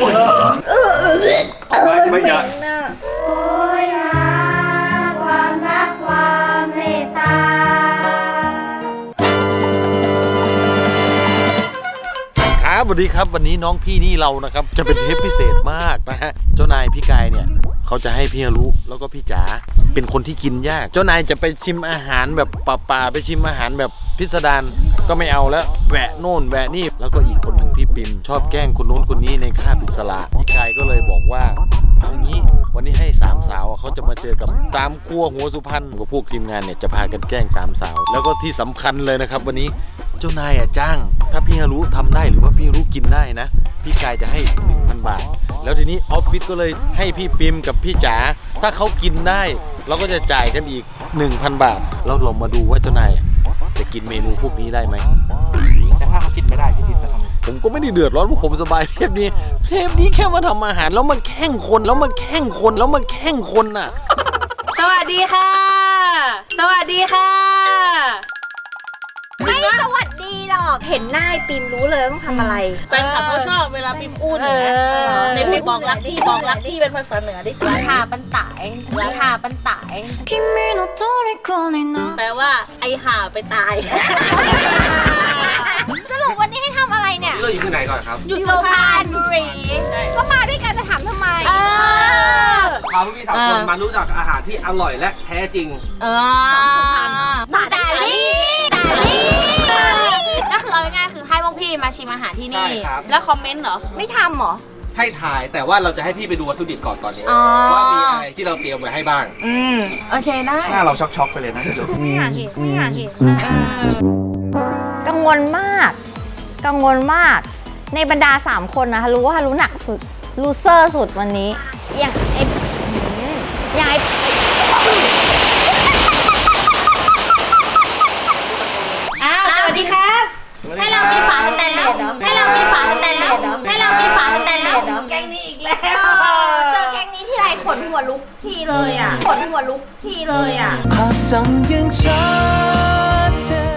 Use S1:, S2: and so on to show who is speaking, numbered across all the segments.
S1: ไม่อยาก
S2: โอ้ยหาความรักความเมตตา
S1: ครับสวัสดีครับวันนี้น้องพี่นี่เรานะครับจะเป็นเทปพิเศษมากนะฮะเจ้านายพี่กายเนี่ยเขาจะให้พี่ฮารุแล้วก็พี่จ๋าเป็นคนที่กินยากเจ้านายจะไปชิมอาหารแบบป่าๆไปชิมอาหารแบบพิสดารก็ไม่เอาแล้วแหวะโน่นแหวะนี่แล้วก็อีกคนหนึ่งพี่ปิมชอบแกล้งคนโน้นคนนี้ในคาบอิสระพี่กายก็เลยบอกว่าเอางี้วันนี้ให้สามสาวเขาจะมาเจอกับสามครัวหัวสุพรรณกับพวกทีมงานเนี่ยจะพากันแกล้งสามสาวแล้วก็ที่สำคัญเลยนะครับวันนี้เจ้านายจ้างถ้าพี่ฮารุทำได้หรือว่าพี่ฮารุกินได้นะพี่กายจะให้ 1,000 บาทแล้วทีนี้ออฟฟิศก็เลยให้พี่ปิมกับพี่จ๋าถ้าเขากินได้เราก็จะจ่ายกันอีก 1,000 บาทแล้วเรามาดูว่าเจ้านายจะกินเมนูพวกนี้ได้ไหมแต่ถ้าเขากินไม่ได้พี่ทิพย์จะทำผมก็ไม่ได้เดือดร้อนเพราะผมสบายเทปนี้แค่มาทำอาหารแล้วมาแข่งคนน่ะ
S3: สวัสดีค่ะสวัสดีค่ะ
S2: ไม่สวัสดีหรอกเห็นหน้าปิมรู้เลยต้องทำอะไร
S3: แฟนคลับเขาชอบเวลาพิมพ์อู้อย่างเงี้ยในบอกรักพี่เป็นภาษาเหนือได้ไหม
S2: ทาปันตายทาปันตาย
S3: แปลว่าไอห่าไปตาย
S2: สรุปวันนี้ให้ทำอะไรเนี่ย
S4: เราอยู่ที่ไหนก่อนครับ
S2: อยู่สุพรรณบุรีก็มาด้วยกันจะถามทำไม
S4: พาพี่สาวคนมารู้จักอาหารที่อร่อยและแท้จริง
S2: สาลี่ก็คือเอาง่ายๆคือให้พวกพี่มาชิมอาหารที่นี่
S3: แล้วคอมเมนต์เหรอ
S2: ไม่ทำหรอ
S4: ให้ถ่ายแต่ว่าเราจะให้พี่ไปดูวัตถุดิบก่อนตอนนี้ว่ามีอะไรที่เราเตรียมไว้ให้บ้าง
S2: โอเคได้
S4: หน้าเราช็อกๆไปเลยนะ
S2: ไม่อยากเห็นกังวลมากในบรรดา3คนนะรู้ว่ารู้หนักสุดลูเซอร์สุดวันนี้อย่างไอ้
S3: สวัสดีครับ
S2: ให้เรามีฝาสแตนเลสเหรอให้เรามีฝาสแตนเลสเหรอแกงนี้อีกแล้วเจอแกงนี้ที่ไรขนหัวลุกทุกทีเลยอ่ะภาพจำยังชัดเจน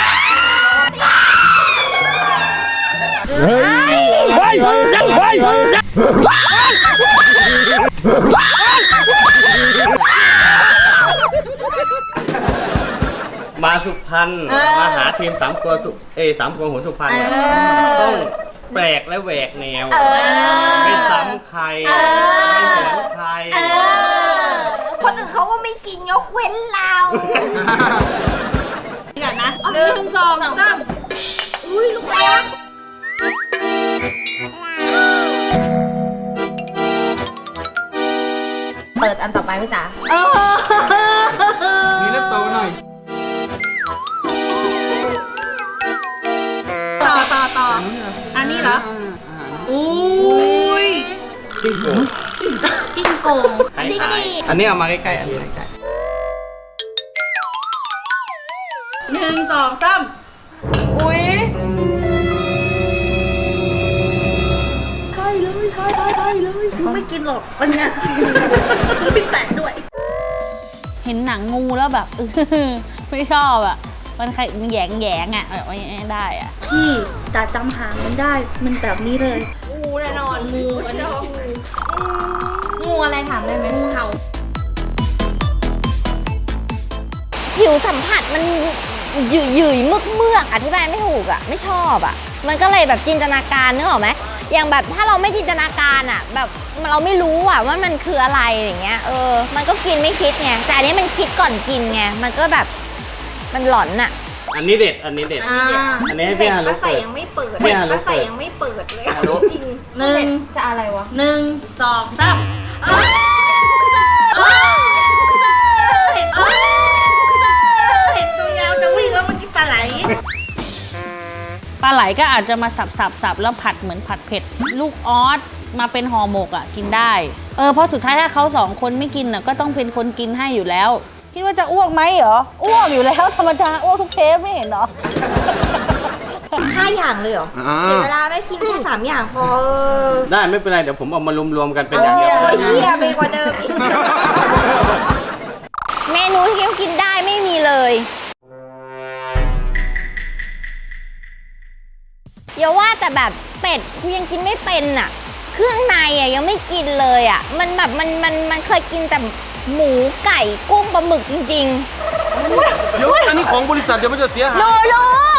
S5: มาสุพรรณมาหาทีมสามครัวหัวสุพรรณต้องแปลกและแหวกแนวไม่ซ้ำใครไม่เหมือนใคร
S2: คนอื่นเขาก็ไม่กินยกเว้นเรา
S3: เดี๋ยวนะ1 2 3
S2: อุ้ยลูกรักเปิดอันต่อไปพี่จ๋า
S4: มีน้ำโตหน่อย
S3: ต่ออันนี้เหรออุ้ย
S5: จิ้งโกง
S2: จิ้งดี
S5: อันนี้เอามาใกล้ๆอันนี้ใกล้
S3: 1 2 3อุ้ยใช่เลยไม่กินหรอกวันนี้ไม่แตะด้วยเห็นหนังงูแล้วแบบไม่ชอบอ่ะมันใครมันแยงอ่ะแบบไม่ได้อ่ะพี่แต่จำหางมันได้มันแบบนี้เลย
S2: งูแน่นอน
S3: งูอันนี้
S2: งูอะไรถามได้ไหม
S3: งูเห่า
S2: ผิวสัมผัสมันหยุ่ยเมือกอธิบายไม่ถูกอ่ะไม่ชอบอ่ะมันก็เลยแบบจินตนาการนึกออกไหมอย่างแบบถ้าเราไม่จินตนาการอ่ะแบบเราไม่รู้อ่ะว่ามันคืออะไรอย่างเงี้ยมันก็กินไม่คิดไงแต่อันนี้มันคิดก่อนกินไงมันก็แบบมันหลอนอ่ะ
S5: อันนี้เด็ดอันนี้ให้พี่ฮารุเปิด
S2: ยังไม่เปิดเลยจริง
S3: 1
S2: จะอะไรวะ
S3: 1 2 3เห็นตัวยาวจะวิ่งแล้วมันกินปลาไหลก็อาจจะมาสับแล้วผัดเหมือนผัดเผ็ดลูกออสมาเป็นห่อหมกอ่ะกินได้เพราะสุดท้ายถ้าเขา2 คนไม่กินน่ะก็ต้องเป็นคนกินให้อยู่แล้วคิดว่าจะอ้วกไหมเหรออ้วกอยู่แล้วธรรมดาอ้วกทุกเทปไม่เห็นเหรอ
S2: 5 อย่างเลยเหรอเสียเวลาไม่กินแค่3 อย่างพอ
S5: ได้ไม่เป็นไรเดี๋ยวผมเอามารวมๆกันเป็นอย่างเดียว
S2: ไปกว่าเดิมอีกเมนูที่กินได้ไม่มีเลยอย่าว่าแต่แบบเป็ดกูยังกินไม่เป็นอ่ะเครื่องในอะยังไม่กินเลยอะมันแบบมันเคยกินแต่หมูไก่กุ้งปลาหมึกจริง
S1: เดี๋ยวอันนี้ของบริษัทเดี๋ยวมันจะเสียหาย
S2: ๆโล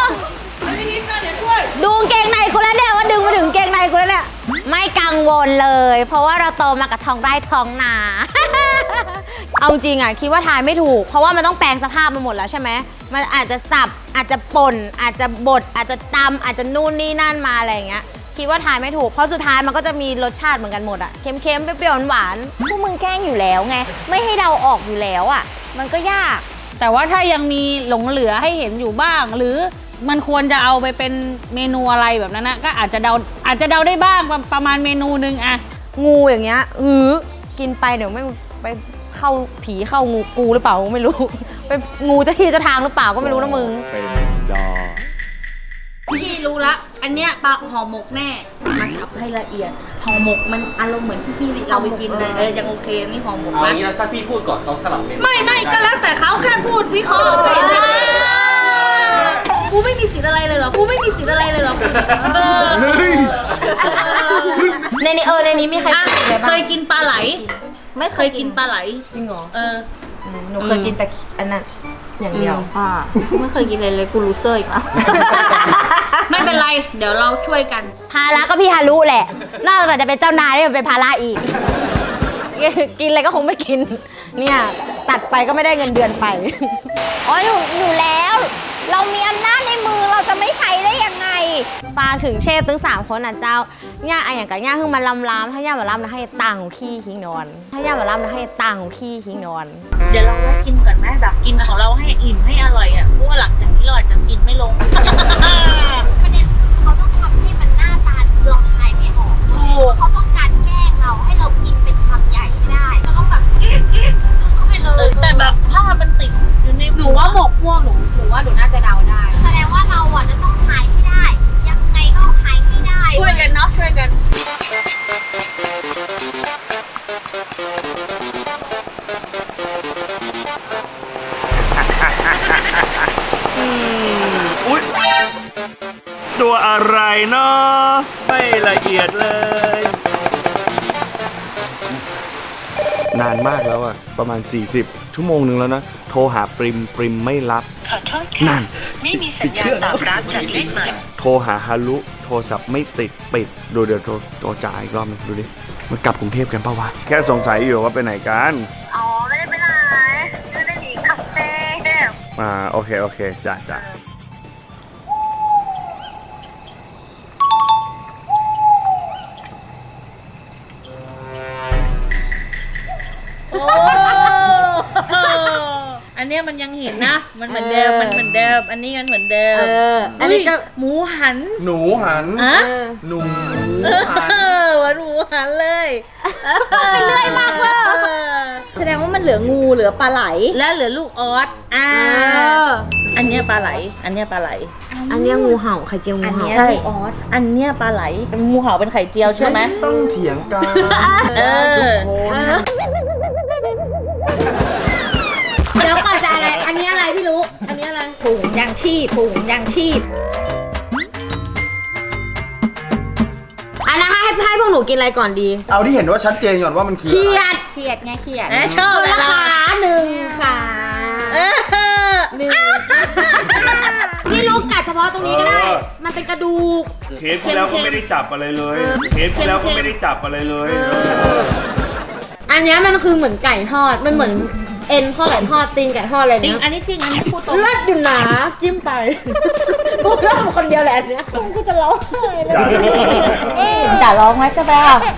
S2: ดูกางเกงในกูแล้วเนี่ยว่าดึงมาถึงกางเกงในกูแล้วเนี่ยไม่กังวลเลย เพราะว่าเราโตมากับท้องไร่ท้องนา เอาจริงอ่ะคิดว่าทายไม่ถูกเพราะว่ามันต้องแปลงสภาพมาหมดแล้วใช่ไหมมันอาจจะสับอาจจะป่นอาจจะบดอาจจะตำอาจจะนู่นนี่นั่นมาอะไรอย่างเงี้ยคิดว่าทายไม่ถูกเพราะสุดท้ายมันก็จะมีรสชาติเหมือนกันหมดอ่ะเค็มๆเปรี้ยวๆหวานๆพวกมึงแกล้งอยู่แล้วไงไม่ให้เดาออกอยู่แล้วอ่ะมันก็ยาก
S3: แต่ว่าถ้ายังมีหลงเหลือให้เห็นอยู่บ้าง หรือมันควรจะเอาไปเป็นเมนูอะไรแบบนั้นนะก็อาจจะเดาได้บ้างประมาณเมนูนึงอะงูอย่างเงี้ยกินไปเดี๋ยวไม่ไปเข้าผีเข้างูกูหรือเปล่าไม่รู้ ไปงูเจะที่เจะทางหรือเปล่าก็ไม่รู้นะมึง
S6: พี่รู้ละ อันเนี้ยปลาห่อหมกแน่ มาสับให้ละเอียด ห่อหมกมันอารมณ์เหมือนที่พี่เราไปกินเลยยังโอเคนี่ห่อหมก
S4: เอาอ
S6: นะ
S4: ย่างนี้นะถ้าพี่พูดก่อนเราสลับเมนู
S6: ไม่ก็แล้วแต่เขาแค่พูดวิเคราะห์ไปนะกูไม่มีสิทธิ์อะไรเลยเหรอ กูไม่มีสิทธิ์อะไรเลยเหรอ
S2: ในนี้มีใคร
S6: อ่ะ
S2: กินอะไรบ้าง
S6: เคยกินปลาไหล
S2: ไม่
S6: เคยกินปลาไหล
S2: จริงเหรอ
S6: หนูเคยกินแต่
S2: อันนั้นอย่างเดียวไม่เคยกินเลยกูรู้เซอร์อีกแล้ว
S6: ไม่เป็นไร เดี๋ยวเราช่วยกัน
S2: ภาระก็พี่ฮารุแหละนอกจากจะเป็นเจ้านายได้เป็นภาระอีก กินอะไรก็คงไม่กิน เนี่ยตัดไปก็ไม่ได้เงินเดือนไป อ๋อหนูแล้ว เรามีอำนาจในมือเราจะไม่ใช้ได้ยังไงฝากถึงเชฟทั้ง3คนนะเจ้าย่าอย่างกับย่าคือมันล้ำถ้าย่ามาล้ำนะให้ตังค์พี่ทิ้งนอน ถ้าย่ามาล้ำนะให้ตังค์พี่ทิ้งนอน
S6: เดี๋ยวเราไว้กินก่อนไหมแบบกินของเราให้อิ่มให้อร่อยอ่ะเพราะว่าหลังจากนี้เราอาจจะกินไม่ลง
S2: ประเด็นคือเขาต้องทำให้มันหน้าตาเราทายไม่ออกเขาต้องการแกล้งเราให้เรากินเป็นคำใหญ่ไม่ได้เราต้องแบบเข้าไปเลย
S6: แต่แบบถ้ามันติดอยู่ในหนูว่าหมกพวกหนูว่าหนูน่าจะเดาได้
S2: แสดงว่าเราอ่ะจะต้องทายให้ได้ ยังไงก็ทายให้ได้
S6: ช่วยกันเนาะช่วยกัน
S5: ตัวอะไรเนาะไม่ละเอียดเลย นานมากแล้วอะประมาณ 40 ชั่วโมงนึงแล้วนะ โทรหาปริมไม่รับนั่นปิดเครื่องโทรหาฮารุโทรศัพท์ไม่ติดปิดดูเดี๋ยวโทรจ่ายอีกรอบนึงดูดิมันกลับกรุงเทพกันปะวะแค่สงสัยอยู่ว่าไปไหนกัน
S2: อ๋อไม่ได้ไปไหนไม่ได้หนีกลับเต้
S5: โอเคจ้ะ
S6: โอ้อันเนี้ยมันยังเห็นนะ มันเหมือนเดิมมันเหมือนเดิม อันนี้มันเหมือนเดิมอันนี้ก็หมูหัน
S1: หนูหัน
S6: อะ
S1: หนูหัน
S6: หวานหมูหันเลย
S2: ไปเรื่อยมากเลย
S6: แสดงว่ามันเหลืองูเหลือปลาไหล แล้วเหลือลูกออสอันเนี้ยปลาไหล อันเนี้ยปลาไหล
S2: อันนี้งูเห่าไข่เจียวงูเห่า
S6: ใช่ออสอันเนี้ยปลาไหลงูเห่าเป็นไข่เจียวใช่ไหม
S1: ต้องเถียงกัน
S6: เออ
S2: เดี๋ยวก่อนจะอะไร อันนี้อะไรพี่รู้ อันนี้อะไรถุงยางชีพอันนั้นให้พวกหนูกินอะไรก่อนดี
S1: เอาที่เห็นว่าชัดเจนก่อนว่ามันคือ
S2: เขี
S1: อะไร
S2: ยดเขียดไงเขียด
S6: ชอบ
S2: คน
S6: เลย
S2: ละ
S6: เรา
S2: ขาหนึ่งขาหนึ่งพี่ลูกกัดเฉพาะตรงนี้ก็ได้ มันเป็นกระดูก
S5: เทปที่แล้วก็ไม่ได้จับอะไรเลย
S2: อันนี้มันคือเหมือนไก่ทอด มันเหมือนเอ็นข้อไก่ทอดตีนไก่ทอดอะไร
S6: จริง
S2: เนี้ย
S6: อันนี้จริง อันนี้พูดตรง
S2: เลิศอยู่นะจิ้มไปกูเล่าคนเดียวแหละอันเนี้ยกูจะร้องไห้เลยจะร้องไหมจะไปอ่ะ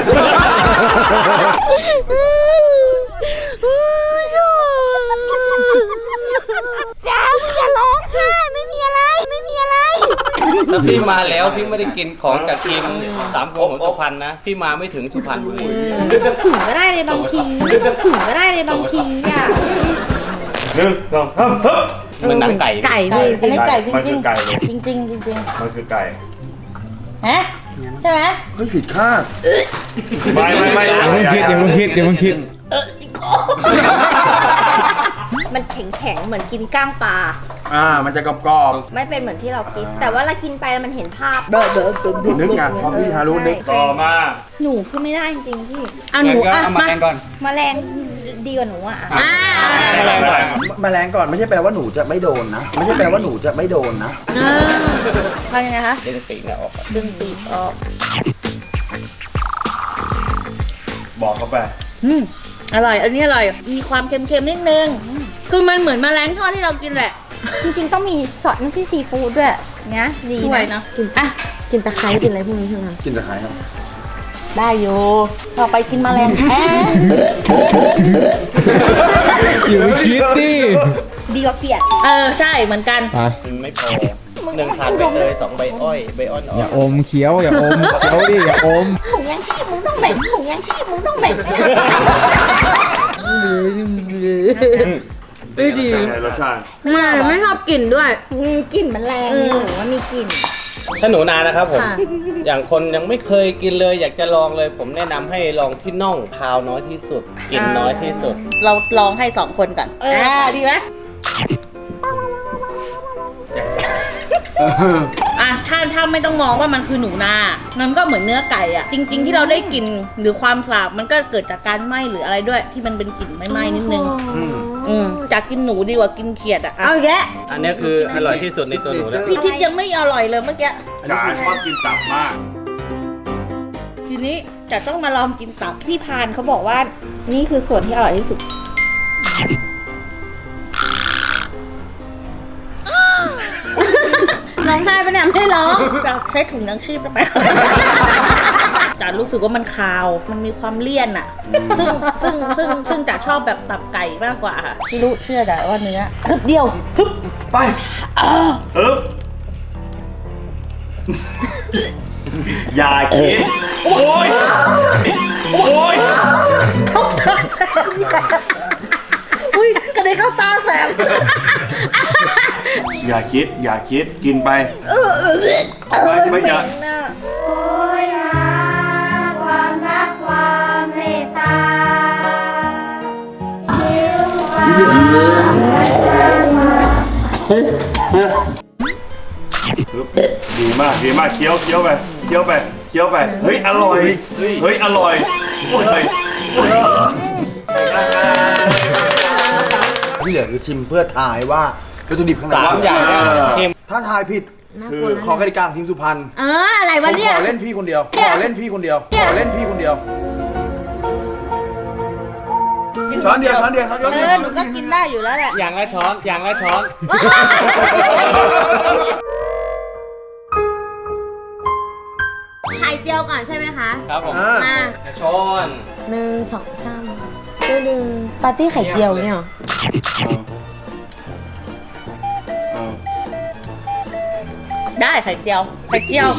S2: จ้ามึงอย่าร้องไห้ไม่มีอะไร
S5: ถ้าพี่มาแล้วพี่ไม่ได้กินของจากทีม3 คนของสุพรรณนะ พี่มาไม่ถึงสุพรรณบุรี
S2: ถึงก็ได้ในบางทีอ่ะ
S5: 1 2 3มันหนังไก่
S2: ไก่พี่
S6: อันนี้ไก่จ
S5: มัน
S6: ริ
S5: คื
S6: ง
S5: อไก่เลย
S6: ๆจริงๆจริง
S5: มันคือไก่
S6: ๆฮะใช่ไหม
S1: ไม่ผิดคาด
S5: ไม่อย่าเพิ่งคิด
S2: มันแข็งๆเหมือนกินก้างปลา
S7: มันจะกรอบ
S2: ไม่เป็นเหมือนที่เราคิด แต่ว่าเรากินไปแล้วมันเห็นภาพ
S7: ๆนึกไงพอพี่ฮารุนึก
S2: ใช่
S5: ต่อมา
S2: หนูคือไม่ได้จริงๆพี่
S3: เอาหนูอ่ะมา
S2: แมลงดีกว่าหนูอ่ะ
S7: แมลงก่อนไม่ใช่แปลว่าหนูจะไม่โดนนะ ไม่ใช่แปลว่าหนูจะไม่โดนนะ
S2: ทำยังไงคะ
S4: เล่นปีกเนี่ยออก
S2: ดึงปีกออก
S5: บอกเข้าไป
S3: อร่อย อันนี้อร่อย มีความเค็มๆนิดนึง คือมันเหมือนแมลงทอดที่เรากินแหละ
S2: จริงๆต้องมีซอสน้ำจิ้มซีฟู้ดด้วยนะดี
S3: ช่วยนะ
S2: กิน
S3: อ่ะ
S2: กินตะไคร้กินอะไรพวกนี้ใช่ไหม
S7: กินตะไคร้ครับ
S3: ได้อยู่ต่อไปกินแมลงแอะ
S8: อย่าไปคิดดิ
S2: ดีกว่าเปียก
S3: ใช่เหมือนกัน
S4: ไม่พอ1 ถาดใบเตย2 ใบอ้อยใบอ้อนอ่
S8: อย่าอมเคี้ยวอย่าอมเคี้ยวดิอย่าอม
S2: ถุงยังชีพมึงต้องแบ่งถุงยังชีพมึงต้องแบ่ง
S3: ไม่ดี
S5: เป็นไงรสชาติ
S3: ไม่ชอบกลิ่นด้วย
S2: กลิ่นมันแรงหนูว่ามีกลิ่น
S4: ถ้าหนูนานะครับผม
S3: ค่ะ
S4: อย่างคนยังไม่เคยกินเลย อยากจะลองเลย ผมแนะนำให้ลองที่น่องคาวน้อยที่สุด กินน้อยที่สุด
S3: เราลองให้2 คนก่อนดีไหมถ้าไม่ต้องมองว่ามันคือหนูนา มันก็เหมือนเนื้อไก่อ่ะ จริง ๆ ที่เราได้กลิ่นหรือความสาบมันก็เกิดจากการไหม้หรืออะไรด้วย ที่มันเป็นกลิ่นไหม้ๆนิดนึงจากกินหนูดีกว่ากินเขียดอ่ะ
S2: เอาอีกแล้ว
S4: อันนี้คืออร่อยที่สุดในตัวหนูแล้ว
S3: พี่ทิศยังไม่อร่อยเลยเมื่อกี้
S5: จ๋าชอบกินตับมาก
S3: ทีนี้จะต้องมาลองกินตับ
S2: พี่พานเขาบอกว่านี่คือส่วนที่อร่อยที่สุด ร้องไห้ปะเนี่ยไม่ได้ร้อง
S3: จะใช้ถุงยังชีพไป จ๋ารู้สึกว่ามันคาว มันมีความเลี่ยนอ่ะ ซึ่งจ๋าชอบแบบตับไก่มากกว่าค่ะพี่รู้เชื่อจ๋าว่าเนื้อฮึบเดียวฮึบ
S5: ไปอย่าคิด โอ้ย
S3: อุ้ยกระเด็นเข้าตาแสบ
S5: อย่าคิด อย่าคิด กินไปไม่อย่า ดีมาก ดีมาก เคี้ยวไป เคี้ยวไป เคี้ยวไป เฮ้ย อร่อย เฮ้ย อร่อยโอ้ย
S7: ที่เหลือคือชิมเพื่อทายว่าวัตถุดิบข้างใน
S4: สามอย่างเนี่ยเค็ม
S7: ถ้าทายผิดคือขอกติกาของทีมสุพรรณ
S2: อะไร
S7: ผ
S2: วะ
S7: ม
S2: เนี่ย
S7: ขอเล่นพี่คนเดียว ขอเล่นพี่คนเดียว ขอเล่นพี่คนเดียว ช้อนเดียว ช้อนเดียวช้อนเดียว
S3: หนูก็กินได้อยู่แล้วแหละ
S4: อย่างละช้อน อย่างละช้อน
S2: ไข่เจียวก่อนใช่ไหมคะ
S4: ครับผม
S2: มา
S4: ช้อน
S2: 1 2 3ตัวหนึ่งปาร์ตี้ไข่เจียวเนี่ยหรอ
S3: ได้ไข่เจียว ไข่เจียว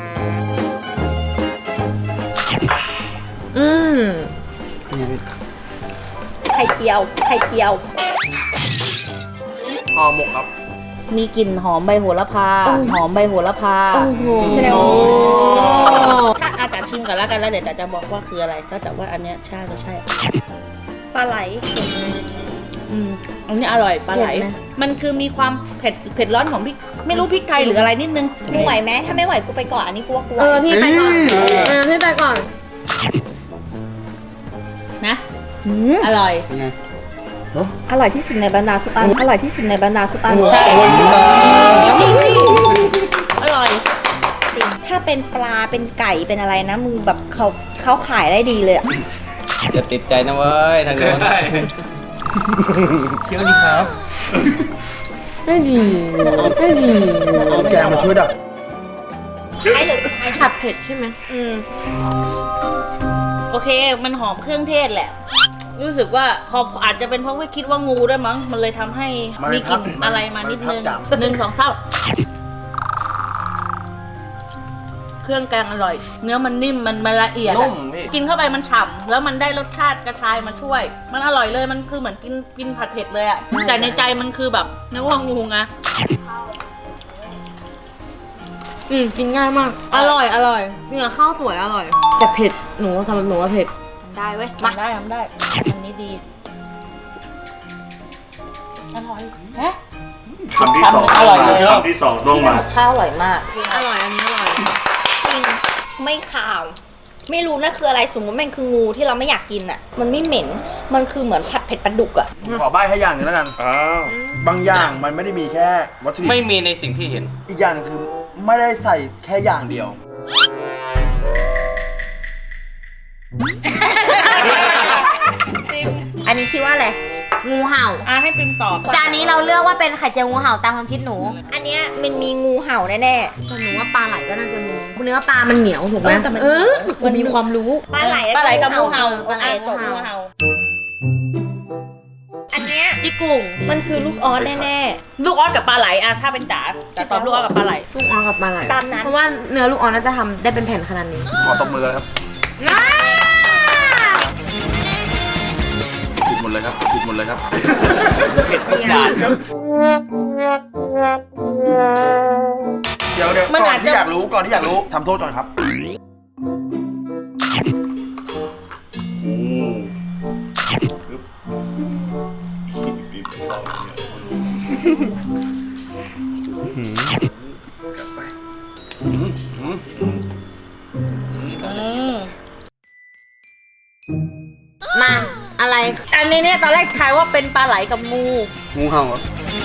S2: ไข่เจียว ไข่เจียว
S7: ห่อหมกครับ
S3: มีกลิ่นหอมใบโหระพา หอมใบโหระพา
S2: แสดงว่า
S3: ถ้าอาจารย์ชิมกันแล้วกันแล้วเดี๋ยวจะบอกว่าคืออะไร ก็แต่ว่าอันเนี้ยใช่ก็ใช่
S2: ปลาไหล
S3: อันนี้อร่อยปลาไหล
S2: เผ็ดไหม
S3: มันคือมีความเผ็ดร้อนของพริก ไม่รู้พริกไทยหรืออะไรนิดนึง
S2: มึงไหวไหมถ้าไม่ไหวกูไปก่อนอันนี้กูว่ากูไหว
S7: พี่ไปก่อน
S2: พี่ไปก่อน
S3: นะ อร่อย
S2: อร่อยที่สุดในบรรดาทุกอันอร่อยที่สุดในบรรดาทุกอัน
S3: ใช่อร่อย
S2: จริงถ้าเป็นปลาเป็นไก่เป็นอะไรนะมึงแบบเขาขายได้ดีเลยอะ
S4: จะติดใจนะเว้ยทางโน้น
S5: เคี้ยวดีครับ
S3: ไม่ดี
S7: แกงมาช่วยดับ
S2: ไอ้เหลือสุดท้าย
S3: ผัดเผ็ดใช่ไหม โอเค มันหอมเครื่องเทศแหละ รู้สึกว่าพออาจจะเป็นเพราะว่าคิดว่างูด้วยมั้ง มันเลยทำให้มีกลิ่นอะไรมานิดนึง 1 2 3เครื่องแกงอร่อย เนื้อมันนิ่มมันละเอียด
S4: นุ่
S3: อะ
S4: มพี่
S3: กินเข้าไปมันฉ่ำแล้วมันได้รสชาติกระชายมาช่วย มันอร่อยเลย มันคือเหมือนกินผัดเผ็ดเลยอะแต่ในใจมันคือแบบนึกว่างูไง
S9: กินง่ายมาก อร่อยเนี่ยข้าวสวยอร่อย แต่เผ็ด หนูสำหรับหนูว่าเผ็ด
S3: ได้เว้ยทำได้ อันนี้ดีอร่อยฮะ
S5: คำที่สอง
S3: อร่อยเลย
S5: คำที่สองต้องมา
S2: ข้าวอร่อยมาก
S9: อร่อยอันนี้อร่อย
S2: จริงไม่ขาว ไม่รู้นะคืออะไรสมมติมันคืองูที่เราไม่อยากกินอ่ะ มันไม่เหม็นมันคือเหมือนผัดเผ็ดปลาดุกอ่ะ
S7: ขอใบ้ให้อย่างหนึงแล้วกัน
S5: อ้าว
S7: บางอย่างมันไม่ได้มีแค่วัตถุดิบ
S4: ไม่มีในสิ่งที่เห็น
S7: อีกอย่างหนึงคือไม่ได้ใส่แค่อย่างเดียว
S2: อันนี้คิดว่าอะไร
S9: งูเห่า
S3: ให้ปิมตอบ
S9: จานนี้เราเลือกว่าเป็นไข่เจียวงูเห่าตามความคิดหนู
S2: อันเนี้ยมันมีงูเห่าแน่
S9: แต่หนูว่าปลาไหลก็น่าจะงูเนื้อปลามันเหนียวถูกไหม
S2: แต่มัน
S9: มันมีความรู้
S2: ๆปลาไหล
S3: ปลาไหลกับงูเห่า
S9: ปลาไหลกับ
S3: งู
S9: งูเห่า
S3: เห่า
S2: อันเนี้ย
S9: จิกุ่ง
S2: มันคือลูกออสแน่
S3: ลูกออสกับปลาไหลอะถ้าเป็นจ๋าแต่ตอบลูกออสกับปลาไหล
S9: ลูกออสกับปลาไหล
S2: ตามนั้น
S9: เพราะว่าเนื้อลูกออสน่าจะทำได้เป็นแผ่นขนาดนี้
S7: ขอตบมือเลยครับปิดหมดเลยครับปิดหมดเลยครับ
S4: เผ็ดทุกจานครับ
S7: เดี๋ยว
S3: มัน
S7: ก่อ
S3: อาน จ
S7: ที่
S3: จะ
S7: อยากรู้ก่อนที่อยากรู้ทำโทษก่อนครับ
S9: มาอะไร
S3: อันนี้เนี่ยตอนแรกทายว่าเป็นปลาไหลกับงู
S4: งูเห่าเหรอ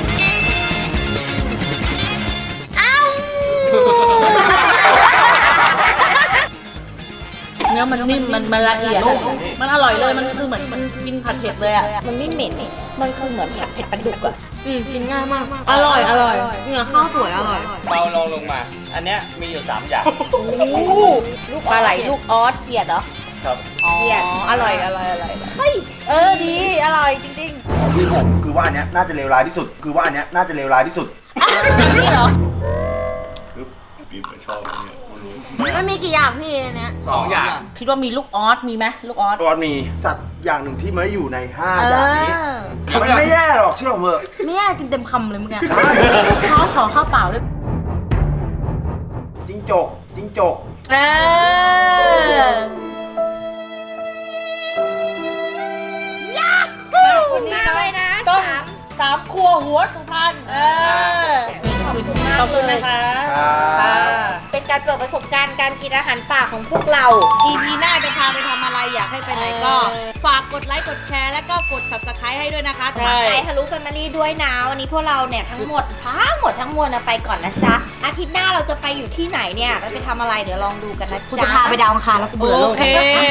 S3: เนื้อมันนิ่มมันละเอียดอะมันอร่อยเลยมันคือเหมือนมันกินผัดเผ็ดเลยอะ
S2: ๆ มันไม่เหม็นนี่มันคือเหมือนผัดเผ็ดปลาดุกอ่ะ
S9: กินง่ายมาก อร่อย อร่อยเนื้อข้าวสวยอร่อย
S4: เบาลงมา อันเนี้ยมีอยู่ 3 อย่าง
S3: ลูกปลาไหลลูกออสเขียดเหรอ
S4: ครับ
S3: อ๋ออร่อยเฮ้ยดีอร่อยจริง
S7: ของพี่ผมคือว่าอันเนี้ยน่าจะเลวร้ายที่สุด คือว่าอันเนี้ยน่าจะเลวร้ายที่สุด
S3: ๆนี่เหรอ
S9: ไม่มีกี่อย่างพี่อันเนี้ย
S4: 2 อย่าง
S3: คิดว่ามีลูกออสมีไหมลูกออส
S7: ตอนมีสัตว์อย่างหนึ่งที่ไม่ได้อยู่ใน5อย่างนี้มันไม่แย่หรอกเชื่อผมเถอะ
S9: ไม่แย่กินเต็มคำเลยเมื่อกี้ข้าวขอข้าวเปล่าด้วย
S7: จิ้งจกจิ้งจก
S3: คนนี้
S2: มากเลยนะ
S3: ต้อง
S2: สาม
S3: 3 ครัวหัวสุพรรณขอบคุณนะคะ
S2: เป็นการเปิดประสบการณ์การกินอาหารป่าของพวกเรา
S3: EP หน้าจะพาไปทำอะไรอยากให้ไปไหนก็ ฝากกดไลค์กดแชร์แล้วก็กด subscribe ให้ด้วยนะคะ
S2: ฝากใจทะลุแฟมิลี่ด้วยนะวันนี้พวกเราเนี่ยทั้งหมดทั้งมวลนะไปก่อนนะจ๊ะ อาทิตย์หน้าเราจะไปอยู่ที่ไหนเนี่ยเราไปทำอะไรเดี๋ยวลองดูกันนะ
S9: กู
S2: จ๊ะ
S9: จะพาไปดาวอังคารแล้วกูเบื่อโลก
S3: โอเค